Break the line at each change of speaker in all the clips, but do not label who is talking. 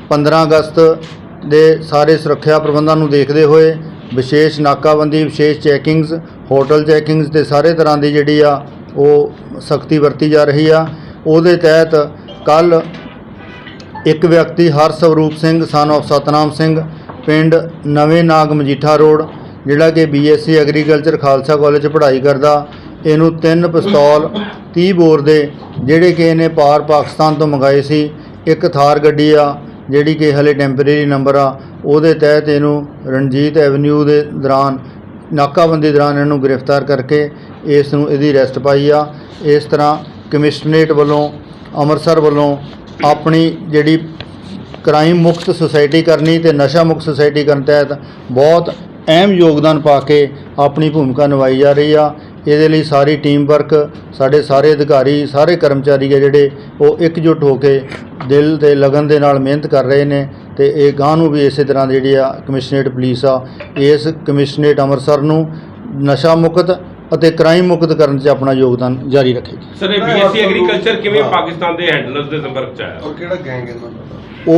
15 ਅਗਸਤ ਦੇ ਸਾਰੇ ਸੁਰੱਖਿਆ ਪ੍ਰਬੰਧਾਂ ਨੂੰ ਦੇਖਦੇ ਹੋਏ ਵਿਸ਼ੇਸ਼ ਨਾਕਾਬੰਦੀ, ਵਿਸ਼ੇਸ਼ ਚੈਕਿੰਗਸ, ਹੋਟਲ ਚੈਕਿੰਗਸ ਤੇ ਸਾਰੇ ਤਰ੍ਹਾਂ ਦੀ ਜਿਹੜੀ ਆ ਉਹ ਸਖਤੀ ਵਰਤੀ ਜਾ ਰਹੀ ਆ। ਉਹਦੇ ਤਹਿਤ ਕੱਲ੍ਹ ਇੱਕ ਵਿਅਕਤੀ ਹਰਸਵਰੂਪ ਸਿੰਘ ਸਨ ਆਫ ਸਤਨਾਮ ਸਿੰਘ ਪਿੰਡ ਨਵੇਂ ਨਾਗ ਮਜੀਠਾ ਰੋਡ, ਜਿਹੜਾ ਕਿ BSc ਐਗਰੀਕਲਚਰ ਖਾਲਸਾ ਕਾਲਜ 'ਚ ਪੜ੍ਹਾਈ ਕਰਦਾ, ਇਹਨੂੰ 3 ਪਿਸਤੌਲ 30 ਬੋਰ ਦੇ ਜਿਹੜੇ ਕਿ ਇਹਨੇ ਪਾਕਿਸਤਾਨ ਤੋਂ ਮੰਗਾਏ ਸੀ, ਇੱਕ ਥਾਰ ਗੱਡੀ ਆ ਜਿਹੜੀ ਕਿ ਹਲੇ ਟੈਂਪਰੇਰੀ ਨੰਬਰ ਆ, ਉਹਦੇ ਤਹਿਤ ਇਹਨੂੰ ਰਣਜੀਤ ਐਵਨਿਊ ਦੇ ਦੌਰਾਨ ਨਾਕਾਬੰਦੀ ਦੌਰਾਨ ਇਹਨੂੰ ਗ੍ਰਿਫਤਾਰ ਕਰਕੇ ਇਸ ਨੂੰ ਇਹਦੀ ਅਰੈਸਟ ਪਾਈ ਆ। ਇਸ ਤਰ੍ਹਾਂ ਕਮਿਸ਼ਨਰੇਟ ਵੱਲੋਂ ਅੰਮ੍ਰਿਤਸਰ ਵੱਲੋਂ ਆਪਣੀ ਜਿਹੜੀ ਕ੍ਰਾਈਮ ਮੁਕਤ ਸੁਸਾਇਟੀ ਕਰਨੀ ਤੇ ਨਸ਼ਾ ਮੁਕਤ ਸੁਸਾਇਟੀ ਕਰਨ ਤਹਿਤ ਬਹੁਤ ਅਹਿਮ ਯੋਗਦਾਨ ਪਾ ਕੇ ਆਪਣੀ ਭੂਮਿਕਾ ਨਿਭਾਈ ਜਾ ਰਹੀ ਆ। ਇਹਦੇ ਲਈ ਸਾਰੀ ਟੀਮ ਵਰਕ, ਸਾਡੇ ਸਾਰੇ ਅਧਿਕਾਰੀ, ਸਾਰੇ ਕਰਮਚਾਰੀ ਆ ਜਿਹੜੇ ਉਹ ਇਕਜੁੱਟ ਹੋ ਕੇ ਦਿਲ ਤੇ ਲਗਨ ਦੇ ਨਾਲ ਮਿਹਨਤ ਕਰ ਰਹੇ ਨੇ ਤੇ ਇਹ ਗਾਂਹ ਨੂੰ ਵੀ ਇਸੇ ਤਰ੍ਹਾਂ ਜਿਹੜੀ ਆ ਕਮਿਸ਼ਨਰੇਟ ਪੁਲਿਸ ਆ ਇਸ ਕਮਿਸ਼ਨਰੇਟ ਅੰਮ੍ਰਿਤਸਰ ਨੂੰ ਨਸ਼ਾ ਮੁਕਤ ਅਤੇ ਕ੍ਰਾਈਮ ਮੁਕਤ ਕਰਨ 'ਚ ਆਪਣਾ ਯੋਗਦਾਨ ਜਾਰੀ ਰੱਖੇਗੀ।
ਸਰ, ਇਹ BSc ਐਗਰੀਕਲਚਰ ਕਿਵੇਂ ਪਾਕਿਸਤਾਨ ਦੇ ਹੈਂਡਲਰਸ ਦੇ ਸੰਪਰਕ 'ਚ ਆਇਆ
ਔਰ ਕਿਹੜਾ ਗੈਂਗ ਇਹਨਾਂ ਦਾ?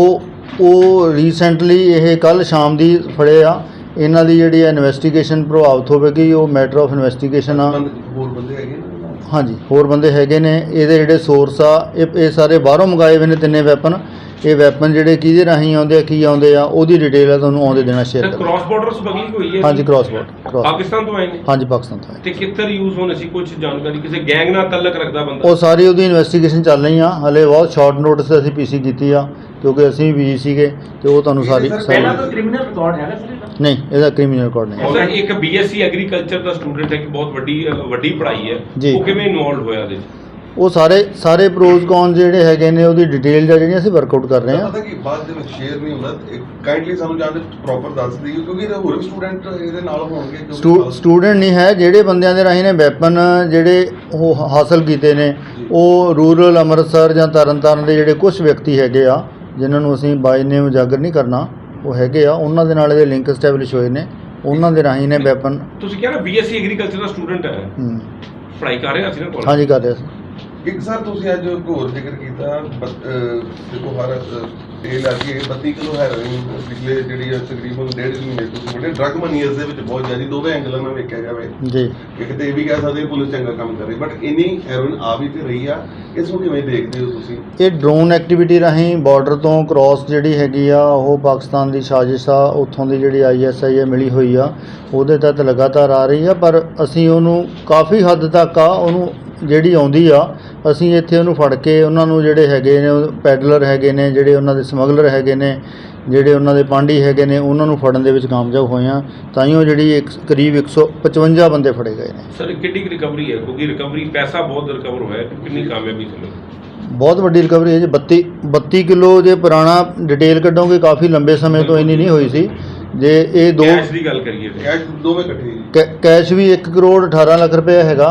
ਉਹ ਰੀਸੈਂਟਲੀ ਇਹ ਕੱਲ੍ਹ ਸ਼ਾਮ ਦੀ ਫੜੇ ਆ। ਇਹਨਾਂ ਦੀ ਜਿਹੜੀ ਇਨਵੈਸਟੀਗੇਸ਼ਨ ਪ੍ਰਭਾਵਿਤ ਹੋਵੇਗੀ, ਉਹ ਮੈਟਰ ਆਫ ਇਨਵੈਸਟੀਗੇਸ਼ਨ ਆ।
ਹੋਰ ਬੰਦੇ ਹੈਗੇ ਨੇ?
ਹਾਂਜੀ, ਹੋਰ ਬੰਦੇ ਹੈਗੇ ਨੇ। ਇਹਦੇ ਜਿਹੜੇ ਸੋਰਸ ਆ ਇਹ ਸਾਰੇ ਬਾਹਰੋਂ ਮੰਗਾਏ ਹੋਏ ਨੇ, 3 ਵੈਪਨ। ਇਹ ਵੈਪਨ ਜਿਹੜੇ ਕਿਹਦੇ ਰਾਹੀਂ ਆਉਂਦੇ ਆ, ਕੀ ਆਉਂਦੇ ਆ, ਉਹਦੀ ਡਿਟੇਲ ਆ ਤੁਹਾਨੂੰ ਆਉਂਦੇ ਦੇਣਾ ਸ਼ੇਅਰ ਕਰਾਂਗੇ।
ਕ੍ਰਾਸ ਬਾਰਡਰ ਸਮਗਲਿੰਗ ਹੋਈ ਹੈ?
ਹਾਂਜੀ, ਕ੍ਰਾਸ ਬਾਰਡਰ
ਪਾਕਿਸਤਾਨ ਤੋਂ ਆਏ ਨੇ?
ਹਾਂਜੀ, ਪਾਕਿਸਤਾਨ ਤੋਂ ਆਏ।
ਤੇ ਕਿੱਧਰ ਯੂਜ਼ ਹੋਣੇ ਸੀ? ਕੁਝ ਜਾਣਕਾਰੀ ਕਿਸੇ ਗੈਂਗ ਨਾਲ ਤਾਲੁਕ ਰੱਖਦਾ ਬੰਦਾ?
ਉਹ ਸਾਰੀ ਉਹਦੀ ਇਨਵੈਸਟੀਗੇਸ਼ਨ ਚੱਲ ਰਹੀ ਆ। ਹਲੇ ਬਹੁਤ ਸ਼ਾਰਟ ਨੋਟਿਸ ਤੇ ਅਸੀਂ PC ਕੀਤੀ ਆ ਕਿਉਂਕਿ ਅਸੀਂ ਵੀ ਬਿਜੀ ਸੀਗੇ ਤੇ ਉਹ ਤੁਹਾਨੂੰ ਸਾਰੀ
ਪਹਿਲਾਂ ਤਾਂ ਕ੍ਰਿਮੀਨਲ ਰਿਕਾਰਡ ਹੈਗਾ ਸਰ?
ਨਹੀਂ, ਇਹਦਾ ਕ੍ਰਿਮੀਨਲ ਰਿਕਾਰਡ ਨਹੀਂ।
ਸਰ, ਇੱਕ BSc ਐਗਰੀਕਲਚਰ ਦਾ ਸਟੂਡੈਂਟ ਹੈ ਕਿ ਬਹੁਤ ਵੱਡੀ ਪੜ੍ਹਾਈ ਹੈ, ਉਹ ਕਿਵੇਂ ਇਨਵੋਲਵ ਹੋਇਆ ਇਹਦੇ 'ਚ?
ਉਹ ਸਾਰੇ ਪ੍ਰੋਜ਼ ਕੌਨ ਜਿਹੜੇ ਹੈਗੇ ਨੇ ਉਹਦੀ ਡਿਟੇਲ ਜਿਹੜੀਆਂ ਅਸੀਂ ਵਰਕਆਊਟ ਕਰ ਰਹੇ ਹਾਂ।
ਪਤਾ ਕਿ ਬਾਅਦ ਦੇ ਵਿੱਚ ਸ਼ੇਅਰ ਨਹੀਂ ਹੁੰਦਾ, ਕਾਈਂਡਲੀ ਸਾਨੂੰ ਜਾਣ ਦੇ ਪ੍ਰੋਪਰ ਦੱਸ ਦਿਓ ਕਿਉਂਕਿ ਇਹਦੇ ਹੋਰ ਵੀ ਸਟੂਡੈਂਟ ਇਹਦੇ ਨਾਲ ਹੋਣਗੇ।
ਸਟੂਡੈਂਟ ਨਹੀਂ ਹੈ, ਜਿਹੜੇ ਬੰਦਿਆਂ ਦੇ ਰਾਹੀਂ ਨੇ ਵੈਪਨ ਜਿਹੜੇ ਉਹ ਹਾਸਲ ਕੀਤੇ ਨੇ ਉਹ ਰੂਰਲ ਅੰਮ੍ਰਿਤਸਰ ਜਾਂ ਤਰਨਤਾਰਨ ਦੇ ਜਿਹੜੇ ਕੁਝ ਵਿਅਕਤੀ ਹੈਗੇ ਆ ਜਿਨ੍ਹਾਂ ਨੂੰ ਅਸੀਂ ਬਾਈ ਨੇਮ ਉਜਾਗਰ ਨਹੀਂ ਕਰਨਾ, ਉਹ ਹੈਗੇ ਆ, ਉਹਨਾਂ ਦੇ ਨਾਲ ਇਹਦੇ ਲਿੰਕ ਐਸਟੈਬਲਿਸ਼ ਹੋਏ ਨੇ, ਉਹਨਾਂ ਦੇ ਰਾਹੀਂ ਨੇ ਵੈਪਨ।
ਤੁਸੀਂ ਕਿਹਾ ਨਾ BSc ਐਗਰੀਕਲਚਰ ਦਾ ਸਟੂਡੈਂਟ ਹੈ, ਪੜ੍ਹਾਈ ਕਰ ਰਿਹਾ ਸੀ ਨਾ ਕਾਲਜ?
ਹਾਂਜੀ, ਕਰ ਰਿਹਾ ਸੀ।
ਇੱਕ ਸਰ ਤੁਸੀਂ ਅੱਜ ਹੋਰ ਜ਼ਿਕਰ ਕੀਤਾ, ਦੇਖੋ ਹਰ ਤੇਲ ਆ ਕੇ 32 ਕਿਲੋ ਹੈਰੋਇਨ ਪਿਛਲੇ ਜਿਹੜੀ ਤਕਰੀਬਨ 1.5 ਮਹੀਨੇ ਤੋਂ ਬੜੇ ਡਰੱਗ ਮਨੀ ਇਸ ਦੇ ਵਿੱਚ ਬਹੁਤ ਜ਼ਿਆਦਾ ਦੋਵੇਂ ਐਂਗਲਾਂ ਨਾਲ ਵੇਖਿਆ ਜਾਵੇ ਜੀ। ਇੱਕ ਤੇ ਇਹ ਵੀ ਕਹਿ ਸਕਦੇ ਪੁਲਿਸ ਚੰਗਾ ਕੰਮ ਕਰ ਰਹੀ, ਬਟ ਇੰਨੀ ਹੈਰੋਇਨ ਆ ਵੀ ਤੇ ਰਹੀ ਆ, ਇਸ ਨੂੰ ਕਿਵੇਂ ਦੇਖਦੇ ਹੋ ਤੁਸੀਂ? ਇਹ
ਡਰੋਨ ਐਕਟੀਵਿਟੀ ਰਾਹੀਂ ਬਾਰਡਰ ਤੋਂ ਕ੍ਰਾਸ ਜਿਹੜੀ ਹੈਗੀ ਆ ਉਹ ਪਾਕਿਸਤਾਨ ਦੀ ਸਾਜ਼ਿਸ਼ ਆ, ਉੱਥੋਂ ਦੀ ਜਿਹੜੀ ISI ਮਿਲੀ ਹੋਈ ਆ, ਉਹਦੇ ਤਹਿਤ ਲਗਾਤਾਰ ਆ ਰਹੀ ਆ। ਪਰ ਅਸੀਂ ਉਹਨੂੰ ਕਾਫੀ ਹੱਦ ਤੱਕ ਆ ਉਹਨੂੰ ਜਿਹੜੀ ਆਉਂਦੀ ਆ ਅਸੀਂ ਇੱਥੇ ਉਹਨੂੰ ਫੜ ਕੇ ਉਹਨਾਂ ਨੂੰ ਜਿਹੜੇ ਹੈਗੇ ਨੇ ਪੈਡਲਰ ਹੈਗੇ ਨੇ, ਜਿਹੜੇ ਉਹਨਾਂ ਦੇ ਸਮਗਲਰ ਹੈਗੇ ਨੇ, ਜਿਹੜੇ ਉਹਨਾਂ ਦੇ ਪਾਂਡੀ ਹੈਗੇ ਨੇ, ਉਹਨਾਂ ਨੂੰ ਫੜਨ ਦੇ ਵਿੱਚ ਕਾਮਯਾਬ ਹੋਏ ਆ। ਤਾਂ ਹੀ ਉਹ ਜਿਹੜੀ ਕਰੀਬ 155 ਬੰਦੇ ਫੜੇ ਗਏ ਨੇ।
ਸਰ, ਕਿੰਨੀ ਰਿਕਵਰੀ ਹੈ? ਕਿਉਂਕਿ ਰਿਕਵਰੀ ਪੈਸਾ ਬਹੁਤ ਰਿਕਵਰ ਹੋਇਆ, ਕਿੰਨੀ ਕਾਮਯਾਬੀ ਸਮਝ?
ਬਹੁਤ ਵੱਡੀ ਰਿਕਵਰੀ ਹੈ ਜੀ। 32 ਕਿਲੋ ਜੇ ਪੁਰਾਣਾ ਡਿਟੇਲ ਕੱਢੋਗੇ ਕਾਫੀ ਲੰਬੇ ਸਮੇਂ ਤੋਂ ਇੰਨੀ ਨਹੀਂ ਹੋਈ ਸੀ। ਜੇ ਇਹ
ਕੈਸ਼ ਦੀ ਗੱਲ ਕਰੀਏ
ਕੈਸ਼ ਦੋਵੇਂ ਇਕੱਠੇ
ਕੈਸ਼ ਵੀ 1 ਕਰੋੜ 18 ਲੱਖ ਰੁਪਏ ਹੈਗਾ।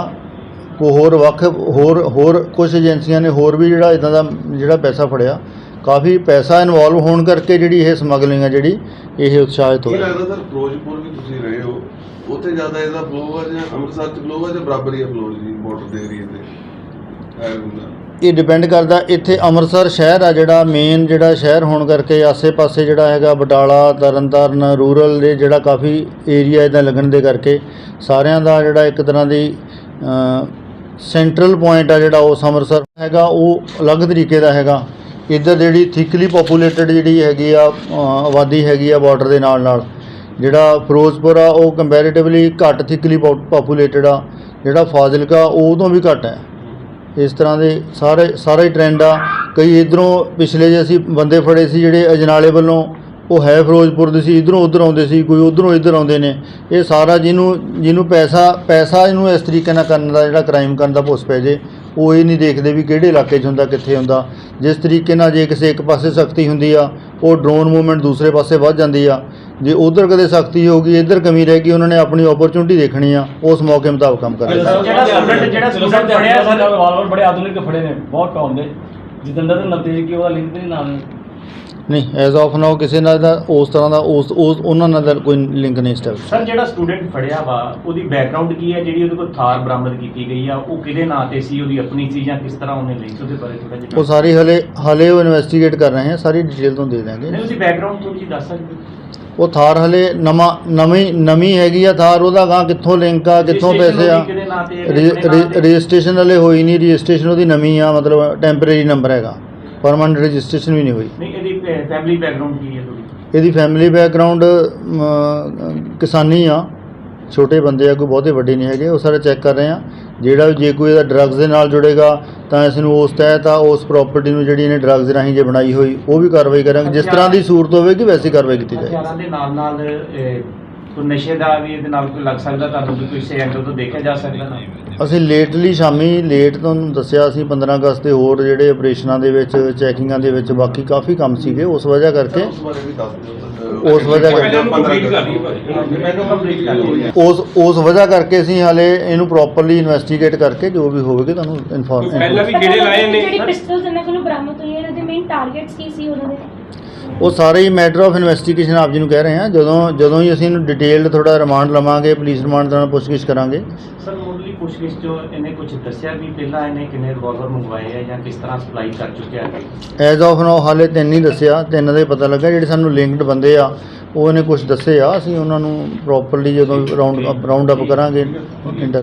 ਹੋਰ ਕੁਝ ਏਜੰਸੀਆਂ ਨੇ ਹੋਰ ਵੀ ਜਿਹੜਾ ਇੱਦਾਂ ਦਾ ਜਿਹੜਾ ਪੈਸਾ ਫੜਿਆ, ਕਾਫੀ ਪੈਸਾ ਇਨਵੋਲਵ ਹੋਣ ਕਰਕੇ ਜਿਹੜੀ ਇਹ ਸਮਗਲਿੰਗ ਆ ਜਿਹੜੀ ਇਹ ਉਤਸ਼ਾਹਿਤ ਹੋਈ।
ਲੱਗਦਾ ਸਰ ਫਿਰੋਜ਼ਪੁਰ ਵੀ ਤੁਸੀਂ ਰਹੇ ਹੋ, ਉੱਥੇ ਜ਼ਿਆਦਾ ਇਹਦਾ ਫਲੋ ਆ ਜਾਂ ਅੰਮ੍ਰਿਤਸਰ 'ਚ ਫਲੋ ਆ ਜਾਂ ਬਰਾਬਰ ਹੀ ਫਲੋ ਜੀ ਬਾਰਡਰ ਦੇ ਏਰੀਏ ਤੇ?
ਇਹ ਡਿਪੈਂਡ ਕਰਦਾ। ਇੱਥੇ ਅੰਮ੍ਰਿਤਸਰ ਸ਼ਹਿਰ ਆ ਜਿਹੜਾ ਮੇਨ ਜਿਹੜਾ ਸ਼ਹਿਰ ਹੋਣ ਕਰਕੇ ਆਸੇ-ਪਾਸੇ ਜਿਹੜਾ ਹੈਗਾ ਬਟਾਲਾ, ਤਰਨਤਾਰਨ, ਰੂਰਲ ਦੇ ਜਿਹੜਾ ਕਾਫੀ ਏਰੀਆ ਇੱਦਾਂ ਲੱਗਣ ਦੇ ਕਰਕੇ ਸਾਰਿਆਂ ਦਾ ਜਿਹੜਾ ਇੱਕ ਤਰ੍ਹਾਂ ਦੀ ਸੈਂਟਰਲ ਪੁਆਇੰਟ ਆ ਜਿਹੜਾ ਉਸ ਅੰਮ੍ਰਿਤਸਰ ਹੈਗਾ ਉਹ ਅਲੱਗ ਤਰੀਕੇ ਦਾ ਹੈਗਾ। ਇੱਧਰ ਜਿਹੜੀ ਥਿਕਲੀ ਪੋਪੂਲੇਟਡ ਜਿਹੜੀ ਹੈਗੀ ਆ ਆਬਾਦੀ ਹੈਗੀ ਆ ਬਾਰਡਰ ਦੇ ਨਾਲ ਜਿਹੜਾ ਫਿਰੋਜ਼ਪੁਰ ਆ ਉਹ ਕੰਪੈਰੀਟਿਵਲੀ ਘੱਟ ਥਿਕਲੀ ਪੋਪੂਲੇਟਡ ਆ। ਜਿਹੜਾ ਫਾਜ਼ਿਲਕਾ ਉਹ ਤੋਂ ਵੀ ਘੱਟ ਹੈ। ਇਸ ਤਰ੍ਹਾਂ ਦੇ ਸਾਰਾ ਹੀ ਟ੍ਰੈਂਡ ਆ। ਕਈ ਇੱਧਰੋਂ ਪਿਛਲੇ ਜੇ ਅਸੀਂ ਬੰਦੇ ਫੜੇ ਸੀ ਜਿਹੜੇ ਅਜਨਾਲੇ ਵੱਲੋਂ, ਉਹ ਹੈ ਫਿਰੋਜ਼ਪੁਰ ਦੇ ਸੀ, ਇੱਧਰੋਂ ਉੱਧਰ ਆਉਂਦੇ ਸੀ, ਕੋਈ ਉੱਧਰੋਂ ਇੱਧਰ ਆਉਂਦੇ ਨੇ। ਇਹ ਸਾਰਾ ਜਿਹਨੂੰ ਪੈਸਾ ਇਹਨੂੰ ਇਸ ਤਰੀਕੇ ਨਾਲ ਕਰਨ ਦਾ ਜਿਹੜਾ ਕ੍ਰਾਈਮ ਕਰਨ ਦਾ ਭੁੱਸ ਪੈ ਜੇ, ਉਹ ਇਹ ਨਹੀਂ ਦੇਖਦੇ ਵੀ ਕਿਹੜੇ ਇਲਾਕੇ 'ਚ ਹੁੰਦਾ, ਕਿੱਥੇ ਹੁੰਦਾ। ਜਿਸ ਤਰੀਕੇ ਨਾਲ ਜੇ ਕਿਸੇ ਇੱਕ ਪਾਸੇ ਸਖਤੀ ਹੁੰਦੀ ਆ ਉਹ ਡਰੋਨ ਮੂਵਮੈਂਟ ਦੂਸਰੇ ਪਾਸੇ ਵੱਧ ਜਾਂਦੀ ਆ। ਜੇ ਉਧਰ ਕਦੇ ਸਖਤੀ ਹੋਊਗੀ, ਇੱਧਰ ਕਮੀ ਰਹੇਗੀ, ਉਹਨਾਂ ਨੇ ਆਪਣੀ ਓਪਰਚੁਨਿਟੀ ਦੇਖਣੀ ਆ, ਉਸ ਮੌਕੇ ਮੁਤਾਬਕ ਕੰਮ ਕਰਨਾ।
ਜਿਹੜਾ ਸਟੂਡੈਂਟ ਫੜਿਆ ਸਰ ਰਿਵਾਲਵਰ ਬੜੇ ਆਧੁਨਿਕ ਫੜੇ ਨੇ, ਬਹੁਤ ਟੌਪ ਦੇ। ਜਤਿੰਦਰ ਤੇ ਨਵਤੇਜ ਕੀ ਉਹਦਾ ਲਿੰਕ ਤੇ ਨਹੀਂ ਨਾਮ
ਨਹੀਂ ਐਜ਼ ਆਫ ਨਾਓ ਕਿਸੇ ਨਾਲ ਦਾ ਉਸ ਤਰ੍ਹਾਂ ਦਾ ਉਸ ਉਹਨਾਂ ਨਾਲ ਦਾ ਕੋਈ ਲਿੰਕ ਨਹੀਂ ਸਟੈਬਲਿਸ਼।
ਸਰ ਜਿਹੜਾ ਸਟੂਡੈਂਟ ਫੜਿਆ ਵਾ ਉਹਦੀ ਬੈਕਗ੍ਰਾਉਂਡ ਕੀ ਹੈ, ਜਿਹੜੀ ਉਹਦੇ ਕੋਲ ਥਾਰ ਬਰਾਮਦ ਕੀਤੀ ਗਈ ਆ ਉਹ ਕਿਹਦੇ ਨਾਂ ਤੇ ਸੀ, ਉਹਦੀ ਆਪਣੀ ਸੀ ਜਾਂ ਕਿਸ ਤਰ੍ਹਾਂ ਉਹਨੇ ਲਈ, ਉਹਦੇ ਬਾਰੇ ਥੋੜਾ ਜਿਹਾ
ਉਹ ਸਾਰੀ ਹਲੇ ਉਹ ਇਨਵੈਸਟੀਗੇਟ ਕਰ ਰਹੇ ਹਾਂ, ਸਾਰੀ ਡਿਟੇਲ ਤੋਂ ਦੇ ਦਾਂਗੇ।
ਨਹੀਂ ਉਹਦੀ ਬੈਕਗ੍ਰਾਉਂਡ ਥੋੜੀ ਜਿਹੀ ਦੱਸ ਸਕਦੇ
ਉਹ ਥਾਰ ਹਲੇ ਨਵੀਂ ਹੈਗੀ ਆ ਥਾਰ, ਉਹਦਾ ਗਾਂ ਕਿੱਥੋਂ ਲਿੰਕ ਆ, ਕਿੱਥੋਂ ਪੈਸੇ ਆ,
ਕਿਹਦੇ ਨਾਂ ਤੇ ਹੈ, ਕਿਹਦੇ ਨਾਂ ਤੇ?
ਰਜਿਸਟ੍ਰੇਸ਼ਨ ਹਲੇ ਹੋਈ ਨਹੀਂ, ਰਜਿਸਟ੍ਰੇਸ਼ਨ ਉਹਦੀ ਨਵੀਂ ਆ, ਮਤਲਬ ਟੈਂਪਰੇਰੀ ਨੰਬਰ ਹੈਗਾ, ਪਰਮਾਨੈਂਟ ਰਜਿਸਟ੍ਰੇਸ਼ਨ ਵੀ ਨਹੀਂ ਹੋਈ।
ਨਹੀਂ ਇਹਦੀ ਫੈਮਿਲੀ ਬੈਕਗ੍ਰਾਉਂਡ ਕੀ ਹੈ ਥੋੜੀ?
ਇਹਦੀ ਫੈਮਿਲੀ ਬੈਕਗ੍ਰਾਉਂਡ ਕਿਸਾਨੀ ਆ, ਛੋਟੇ ਬੰਦੇ ਆ, ਕੋਈ ਬਹੁਤੇ ਵੱਡੇ ਨਹੀਂ ਹੈਗੇ, ਉਹ ਸਾਰੇ ਚੈੱਕ ਕਰ ਰਹੇ ਆ। ਜਿਹੜਾ ਜੇ ਕੋਈ ਇਹਦਾ ਡਰੱਗਸ ਦੇ ਨਾਲ ਜੁੜੇਗਾ ਤਾਂ ਇਸ ਨੂੰ ਉਸ ਤਹਿਤ ਆ ਉਸ ਪ੍ਰਾਪਰਟੀ ਨੂੰ ਜਿਹੜੀ ਇਹਨੇ ਡਰੱਗਸ ਰਾਹੀਂ ਜੇ ਬਣਾਈ ਹੋਈ ਉਹ ਵੀ ਕਾਰਵਾਈ ਕਰਾਂਗੇ, ਜਿਸ ਤਰ੍ਹਾਂ ਦੀ ਸੂਰਤ ਹੋਵੇਗੀ ਵੈਸੀ ਕਾਰਵਾਈ ਕੀਤੀ ਜਾਏਗੀ।
ਹਥਿਆਰਾਂ ਦੇ ਨਾਲ ਕੋਈ ਨਸ਼ੇ ਦਾ ਵੀ ਇਹਦੇ ਨਾਲ ਕੋਈ ਲੱਗ ਸਕਦਾ, ਤੁਹਾਨੂੰ ਵੀ ਕਿਸੇ ਐਂਗਲ ਤੋਂ ਦੇਖਿਆ ਜਾ ਸਕਦਾ ਨਾ?
ਅਸੀਂ ਸ਼ਾਮੀ ਲੇਟ ਤੁਹਾਨੂੰ ਦੱਸਿਆ ਸੀ 15 ਅਗਸਤ ਦੇ ਹੋਰ ਜਿਹੜੇ ਆਪਰੇਸ਼ਨਾਂ ਦੇ ਵਿੱਚ ਚੈਕਿੰਗਾਂ ਦੇ ਵਿੱਚ ਬਾਕੀ ਕਾਫੀ ਕੰਮ ਸੀਗੇ, ਉਸ ਵਜ੍ਹਾ ਕਰਕੇ
ਉਸ ਬਾਰੇ ਵੀ ਦੱਸ ਦਿਓ
ਉਸ ਵਜ੍ਹਾ ਕਰਕੇ ਉਸ ਵਜ੍ਹਾ ਕਰਕੇ ਅਸੀਂ ਹਾਲੇ ਇਹਨੂੰ ਪ੍ਰੋਪਰਲੀ ਇਨਵੈਸਟੀਗੇਟ ਕਰਕੇ ਜੋ ਵੀ ਹੋਵੇਗੀ ਤੁਹਾਨੂੰ ਇਨਫੋਰਮ।
ਪਹਿਲਾਂ ਵੀ ਕਿਹੜੇ ਲਾਏ ਨੇ?
ਜਿਹੜੀ ਪਿਸਟਲਸ ਇਹਨਾਂ ਕੋਲੋਂ ਬਰਾਮਦ ਹੋਈਆਂ ਇਹਨਾਂ ਦੇ ਮੇਨ ਟਾਰਗੇਟਸ ਕੀ ਸੀ ਉਹਨਾਂ ਦੇ?
ਉਹ ਸਾਰੇ ਹੀ ਮੈਟਰ ਆਫ ਇਨਵੈਸਟੀਗੇਸ਼ਨ ਆਪ ਜੀ ਨੂੰ ਕਹਿ ਰਹੇ ਹਾਂ, ਜਦੋਂ ਹੀ ਅਸੀਂ ਇਹਨੂੰ ਡਿਟੇਲਡ ਥੋੜਾ ਰਿਮਾਂਡ ਲਵਾਂਗੇ, ਪੁਲਿਸ ਰਿਮਾਂਡ ਦੇ ਨਾਲ ਪੁੱਛਗਿੱਛ ਕਰਾਂਗੇ।
ਸਰ ਮੁੱਢਲੀ ਪੁੱਛਗਿੱਛ 'ਚ ਇਹਨੇ ਕੁਝ ਦੱਸਿਆ ਵੀ ਪਹਿਲਾਂ ਇਹਨੇ ਕਿੰਨੇ ਰਿਵਾਲਵਰ ਮੰਗਵਾਏ ਆ ਜਾਂ ਕਿਸ ਤਰ੍ਹਾਂ ਸਪਲਾਈ ਕਰ ਚੁੱਕਿਆ ਹੈ?
ਐਜ਼ ਆਫ ਨਾਓ ਹਾਲੇ 3 ਹੀ ਦੱਸਿਆ, 3 ਦਾ ਹੀ ਪਤਾ ਲੱਗਾ। ਜਿਹੜੇ ਸਾਨੂੰ ਲਿੰਕਡ ਬੰਦੇ ਆ ਉਹ ਇਹਨੇ ਕੁਝ ਦੱਸੇ ਆ, ਅਸੀਂ ਉਹਨਾਂ ਨੂੰ ਪ੍ਰੋਪਰਲੀ ਜਦੋਂ ਰਾਉਂਡ ਅਪ ਕਰਾਂਗੇ